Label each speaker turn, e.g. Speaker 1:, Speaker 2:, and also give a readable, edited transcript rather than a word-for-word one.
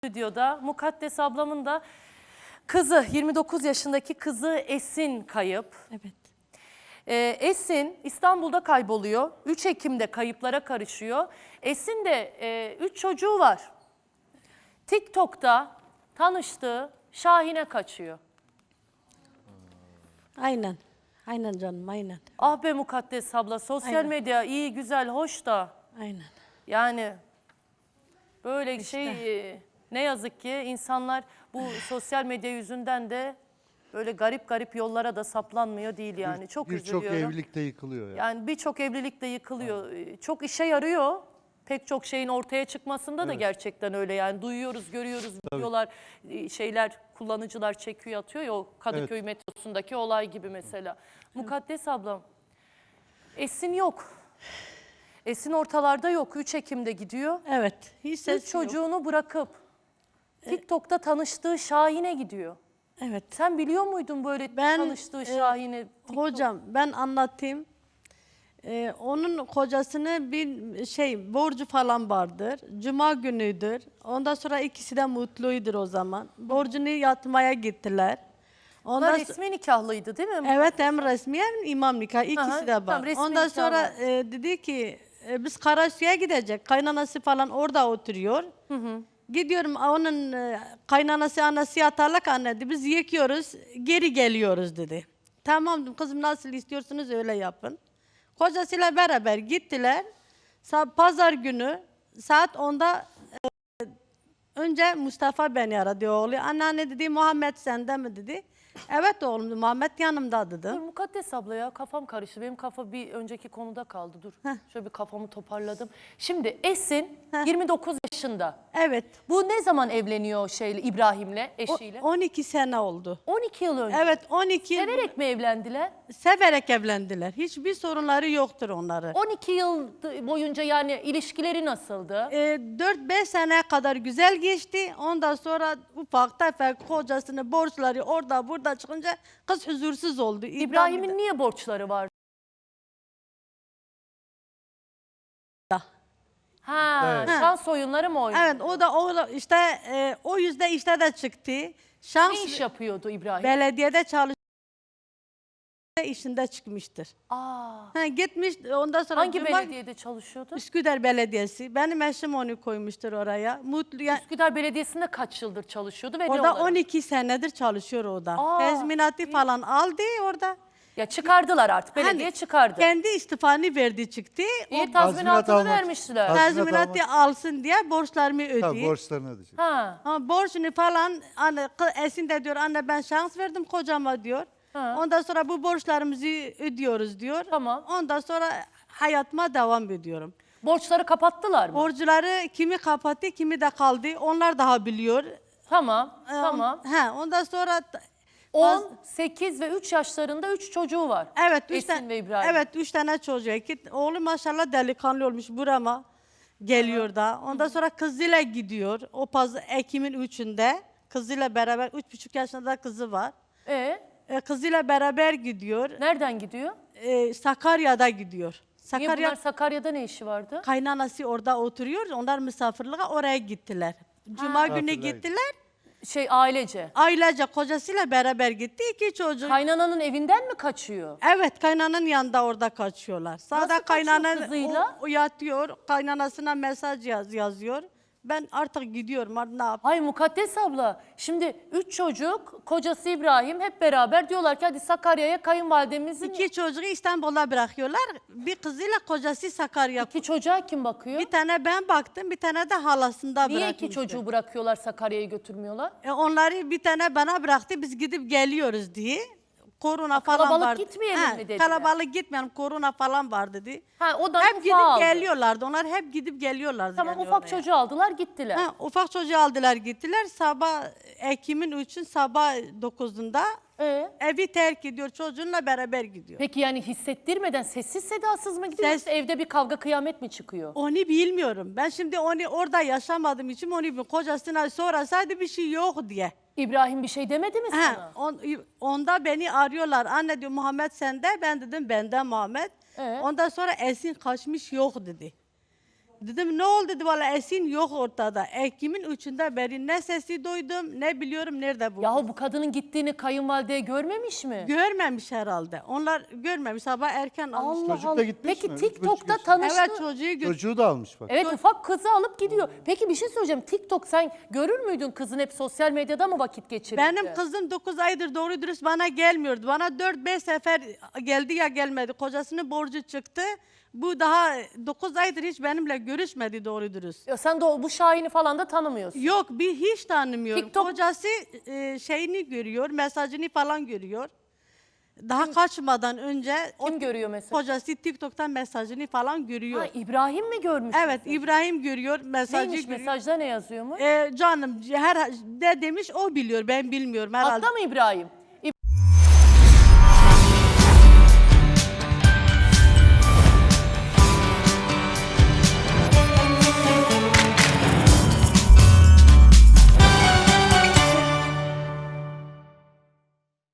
Speaker 1: Stüdyoda Mukaddes ablamın da kızı, 29 yaşındaki kızı Esin kayıp.
Speaker 2: Evet.
Speaker 1: Esin İstanbul'da kayboluyor. 3 Ekim'de kayıplara karışıyor. Esin de 3 çocuğu var. TikTok'ta tanıştığı Şahin'e kaçıyor.
Speaker 2: Aynen. Aynen canım, aynen.
Speaker 1: Ah be Mukaddes abla, sosyal
Speaker 2: Aynen.
Speaker 1: medya iyi, güzel, hoş da
Speaker 2: Aynen.
Speaker 1: yani böyle
Speaker 2: İşte.
Speaker 1: ne yazık ki insanlar bu sosyal medya yüzünden de böyle garip garip yollara da saplanmıyor değil yani. Çok üzülüyorum.
Speaker 3: Birçok evlilik de yıkılıyor yani.
Speaker 1: Yani birçok evlilik de yıkılıyor. Çok işe yarıyor. Pek çok şeyin ortaya çıkmasında da gerçekten öyle yani. Duyuyoruz, görüyoruz, videolar, şeyler, kullanıcılar çekiyor, atıyor ya, o Kadıköy metrosundaki olay gibi mesela. Mukaddes ablam, Esin yok. Esin ortalarda yok. 3 Ekim'de gidiyor.
Speaker 2: Evet. Hiç
Speaker 1: Üç
Speaker 2: ses yok.
Speaker 1: çocuğunu bırakıp TikTok'ta tanıştığı Şahin'e gidiyor.
Speaker 2: Evet.
Speaker 1: Sen biliyor muydun böyle tanıştığı Şahin'i?
Speaker 2: Hocam ben anlatayım. Onun kocasını bir borcu falan vardır. Cuma günüdür. Ondan sonra ikisi de mutluydur o zaman. Borcunu yatmaya gittiler.
Speaker 1: Onlar resmi nikahlıydı değil mi?
Speaker 2: Evet, hem resmi hem imam nikahı ikisi de var.
Speaker 1: tamam, resmi
Speaker 2: Ondan
Speaker 1: nikah
Speaker 2: sonra
Speaker 1: var.
Speaker 2: dedi ki biz Karasu'ya gidecek. Kaynanası falan orada oturuyor. Gidiyorum, onun kaynanası anası yatarlık anne dedi. Biz yıkıyoruz, geri geliyoruz dedi. Tamam dedim, kızım nasıl istiyorsunuz öyle yapın. Kocasıyla beraber gittiler. Pazar günü saat 10'da önce Mustafa beni aradı oğlu. Anneanne dedi, Muhammed sende mi dedi. Evet oğlum dedi, Muhammed yanımda dedi.
Speaker 1: Dur Mukaddes abla ya, kafam karıştı. Benim kafa bir önceki konuda kaldı. Dur şöyle bir kafamı toparladım. Şimdi Esin 29 yaşında.
Speaker 2: Evet.
Speaker 1: Bu ne zaman evleniyor İbrahim'le, eşiyle?
Speaker 2: 12 sene oldu.
Speaker 1: 12 yıl önce.
Speaker 2: Evet, 12 yıl
Speaker 1: Severek mi evlendiler?
Speaker 2: severek evlendiler. Hiçbir sorunları yoktur onları.
Speaker 1: 12 yıl boyunca yani ilişkileri nasıldı?
Speaker 2: 4-5 seneye kadar güzel geçti. Ondan sonra ufak tefek kocasının borçları orada burada çıkınca kız huzursuz oldu.
Speaker 1: İbrahim'in niye borçları var? Ha,
Speaker 3: Evet.
Speaker 1: şans oyunları mı oynuyor?
Speaker 2: Evet, o da işte o yüzden işte de çıktı. Şans
Speaker 1: Ne iş yapıyordu İbrahim?
Speaker 2: belediyede çalışıyor, işinde çıkmıştır.
Speaker 1: Aa,
Speaker 2: Gitmiş ondan sonra
Speaker 1: hangi belediyede çalışıyordu?
Speaker 2: Üsküdar Belediyesi. Benim eşim onu koymuştur oraya. Mutlu yani,
Speaker 1: Üsküdar Belediyesi'nde kaç yıldır çalışıyordu ve ne
Speaker 2: orada
Speaker 1: olarak?
Speaker 2: 12 senedir çalışıyor orada.
Speaker 1: Aa,
Speaker 2: Tezminatı falan aldı orada.
Speaker 1: Ya çıkardılar artık, belediye
Speaker 2: Hani
Speaker 1: çıkardı.
Speaker 2: Kendi istifanı verdi çıktı.
Speaker 1: İyi,
Speaker 3: Tazminat
Speaker 1: tazminatını
Speaker 3: almak-
Speaker 1: vermişler.
Speaker 3: Tazminat
Speaker 2: Tazminatı alsın diye borçlarımı
Speaker 3: Tabii
Speaker 2: ödeyeyim.
Speaker 3: borçlarını ödeyecek.
Speaker 1: Ha.
Speaker 2: Borcunu falan anne, Esin de diyor anne ben şans verdim kocama diyor.
Speaker 1: Ha.
Speaker 2: Ondan sonra bu borçlarımızı ödüyoruz diyor.
Speaker 1: Tamam.
Speaker 2: Ondan sonra hayatıma devam ediyorum.
Speaker 1: Borçları kapattılar mı?
Speaker 2: Borçları kimi kapattı kimi de kaldı. Onlar daha biliyor.
Speaker 1: Tamam, tamam.
Speaker 2: Ondan sonra
Speaker 1: 10, 8 ve 3 yaşlarında 3 çocuğu var.
Speaker 2: evet
Speaker 1: Esin ve İbrahim.
Speaker 2: Evet 3 tane çocuğu. Oğlum maşallah delikanlı olmuş burama geliyor da. Ondan sonra kızıyla gidiyor. O Ekim'in 3'ünde kızıyla beraber 3,5 yaşında kızı var. Kızıyla beraber gidiyor.
Speaker 1: Nereden gidiyor?
Speaker 2: Sakarya'da gidiyor.
Speaker 1: Niye bunlar Sakarya'da ne işi vardı?
Speaker 2: Kaynanası orada oturuyor. Onlar misafirliğe oraya gittiler. Cuma günü
Speaker 3: Misafirliğe
Speaker 2: gittiler.
Speaker 1: Ailece.
Speaker 2: Ailece kocasıyla beraber gitti. 2 çocuk.
Speaker 1: Kaynananın evinden mi kaçıyor?
Speaker 2: Evet, kaynananın yanında orada kaçıyorlar. Sağda
Speaker 1: kaçıyor
Speaker 2: kaynanan
Speaker 1: kızıyla?
Speaker 2: o yatıyor. Kaynanasına mesaj yazıyor. Ben artık gidiyorum. Hadi ne yap?
Speaker 1: Hay Mukaddes abla, şimdi 3 çocuk, kocası İbrahim hep beraber diyorlar ki hadi Sakarya'ya kayınvalidemizin...
Speaker 2: 2 çocuğu İstanbul'a bırakıyorlar. Bir kızıyla kocası Sakarya.
Speaker 1: 2 çocuğa kim bakıyor?
Speaker 2: Bir tane ben baktım, bir tane de halasında
Speaker 1: Niye
Speaker 2: bırakmıştı.
Speaker 1: 2 çocuğu bırakıyorlar, Sakarya'ya götürmüyorlar?
Speaker 2: Onları bir tane bana bıraktı, biz gidip geliyoruz diye. Korona falan
Speaker 1: kalabalık
Speaker 2: vardı.
Speaker 1: gitmeyelim mi dediler?
Speaker 2: Kalabalık gitmeyelim, korona falan var dedi.
Speaker 1: O da
Speaker 2: Hep
Speaker 1: ufağı
Speaker 2: gidip
Speaker 1: aldı.
Speaker 2: geliyorlardı, onlar hep gidip geliyorlardı.
Speaker 1: Tamam,
Speaker 2: yani
Speaker 1: ufak
Speaker 2: oraya.
Speaker 1: çocuğu aldılar gittiler.
Speaker 2: Ufak çocuğu aldılar gittiler. Sabah Ekim'in 3'ün sabah 9'unda evi terk ediyor. Çocuğunla beraber gidiyor.
Speaker 1: Peki yani hissettirmeden sessiz sedasız mı gidiyor yoksa evde bir kavga kıyamet mi çıkıyor?
Speaker 2: Onu bilmiyorum. Ben şimdi onu orada yaşamadığım için onu bilmiyorum. Kocasına sorasaydı bir şey yok diye.
Speaker 1: İbrahim bir şey demedi mi sana?
Speaker 2: Onda beni arıyorlar. Anne diyor Muhammed sende. Ben dedim bende Muhammed. Ondan sonra Esin kaçmış yok dedi. Dedim ne oldu dedi, valla Esin yok ortada. Ekim'in 3'ünde beri ne sesi duydum ne biliyorum nerede bu.
Speaker 1: Yahu bu kadının gittiğini kayınvalide görmemiş mi?
Speaker 2: Görmemiş herhalde. Onlar görmemiş, sabah erken almış.
Speaker 1: Allah
Speaker 3: Çocuk da
Speaker 1: Allah.
Speaker 3: gitmiş
Speaker 1: Peki
Speaker 3: mi? 3,5
Speaker 1: TikTok'ta
Speaker 3: yaşında.
Speaker 1: tanıştı.
Speaker 2: Evet, çocuğu
Speaker 3: Çocuğu da almış bak.
Speaker 1: Evet, ufak kızı alıp gidiyor. Peki bir şey söyleyeceğim. TikTok sen görür müydün kızın hep sosyal medyada mı vakit geçirirdi?
Speaker 2: Benim kızım 9 aydır doğru dürüst bana gelmiyordu. Bana 4-5 sefer geldi ya gelmedi. Kocasının borcu çıktı. Bu daha 9 aydır hiç benimle görüşmedi doğru dürüst.
Speaker 1: Ya sen de bu Şahin'i falan da tanımıyorsun.
Speaker 2: Yok, bir hiç tanımıyorum.
Speaker 1: TikTok-
Speaker 2: Kocası şeyini görüyor, mesajını falan görüyor. Daha kaçmadan önce
Speaker 1: Kim görüyor mesela?
Speaker 2: kocası TikTok'tan mesajını falan görüyor.
Speaker 1: Ha, İbrahim mi görmüş?
Speaker 2: Evet, İbrahim görüyor, mesajı
Speaker 1: Neymiş
Speaker 2: görüyor.
Speaker 1: mesajda ne yazıyor mu?
Speaker 2: Canım her ne demiş o biliyor, ben bilmiyorum herhalde.
Speaker 1: Hatta mı İbrahim?